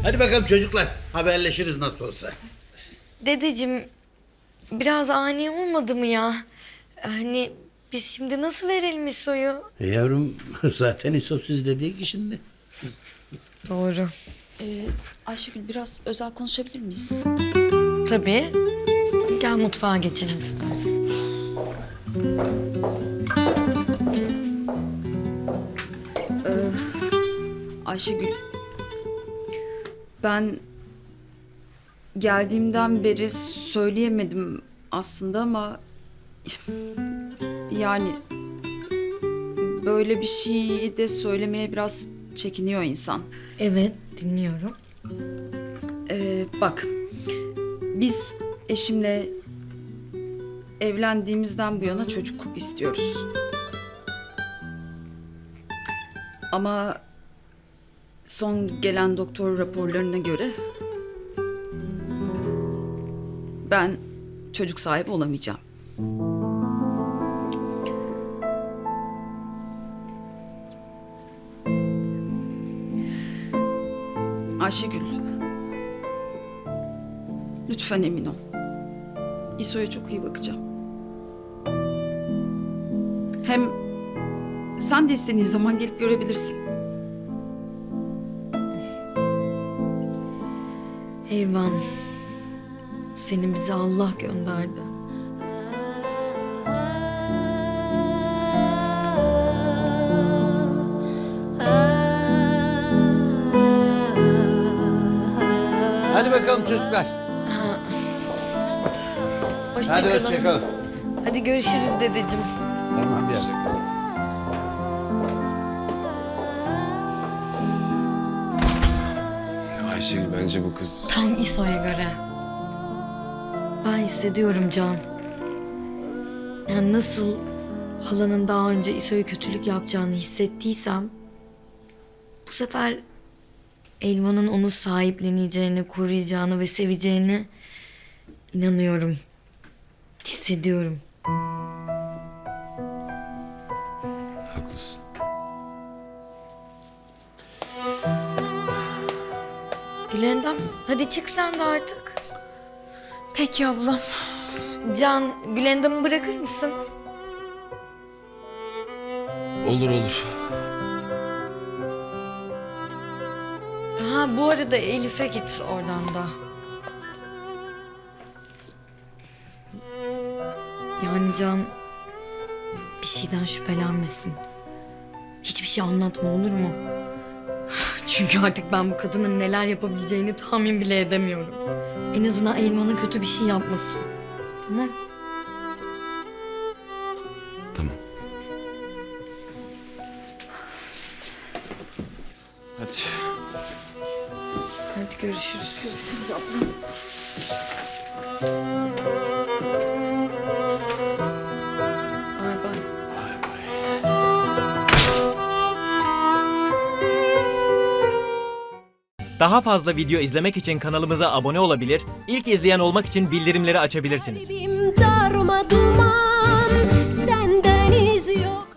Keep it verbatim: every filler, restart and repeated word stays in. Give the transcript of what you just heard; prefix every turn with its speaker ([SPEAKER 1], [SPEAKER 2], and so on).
[SPEAKER 1] Hadi bakalım çocuklar, haberleşiriz nasıl olsa.
[SPEAKER 2] Dedeciğim, biraz ani olmadı mı ya? Hani biz şimdi nasıl verelim İso'yu?
[SPEAKER 1] E yavrum, zaten İso siz dediği ki şimdi.
[SPEAKER 2] Doğru.
[SPEAKER 3] Ee, Ayşegül biraz özel konuşabilir miyiz?
[SPEAKER 2] Tabii. Gel mutfağa geçelim istersen.
[SPEAKER 3] Ayşegül, ben geldiğimden beri söyleyemedim aslında ama yani böyle bir şeyi de söylemeye biraz çekiniyor insan.
[SPEAKER 2] Evet, dinliyorum.
[SPEAKER 3] Ee, bak, biz eşimle evlendiğimizden bu yana çocuk istiyoruz. Ama son gelen doktor raporlarına göre ben çocuk sahibi olamayacağım. Ayşegül, lütfen emin ol. İso'ya çok iyi bakacağım. Hem sen de istediğin zaman gelip görebilirsin.
[SPEAKER 2] Eyvan. Seni bize Allah gönderdi.
[SPEAKER 1] Hadi bakalım çocuklar.
[SPEAKER 2] Hoşça
[SPEAKER 1] Hadi
[SPEAKER 2] kalın.
[SPEAKER 1] hoşça kalın.
[SPEAKER 2] Hadi görüşürüz dedeciğim.
[SPEAKER 1] Tamam bir dakika.
[SPEAKER 4] Ayşegül bence bu kız...
[SPEAKER 2] Tam İso'ya göre. Ben hissediyorum Can. Yani nasıl halanın daha önce İso'ya kötülük yapacağını hissettiysem... bu sefer Elvan'ın onu sahipleneceğini, koruyacağını ve seveceğini inanıyorum. Hissediyorum.
[SPEAKER 4] Haklısın.
[SPEAKER 2] Gülendam, hadi çık sen de artık.
[SPEAKER 3] Peki ablam.
[SPEAKER 2] Can, Gülendam'ı bırakır mısın?
[SPEAKER 4] Olur olur.
[SPEAKER 2] Ha, bu arada Elif'e git oradan da. Yani Can bir şeyden şüphelenmesin. Hiçbir şey anlatma, olur mu? Çünkü artık ben bu kadının neler yapabileceğini tahmin bile edemiyorum. En azından Elman'a kötü bir şey yapmasın. Tamam?
[SPEAKER 4] Tamam. Hadi.
[SPEAKER 2] Hadi görüşürüz. Görüşürüz abla. Bay bay.
[SPEAKER 5] Daha fazla video izlemek için kanalımıza abone olabilir, ilk izleyen olmak için bildirimleri açabilirsiniz.
[SPEAKER 6] Kalbim darma duman, senden iz yok.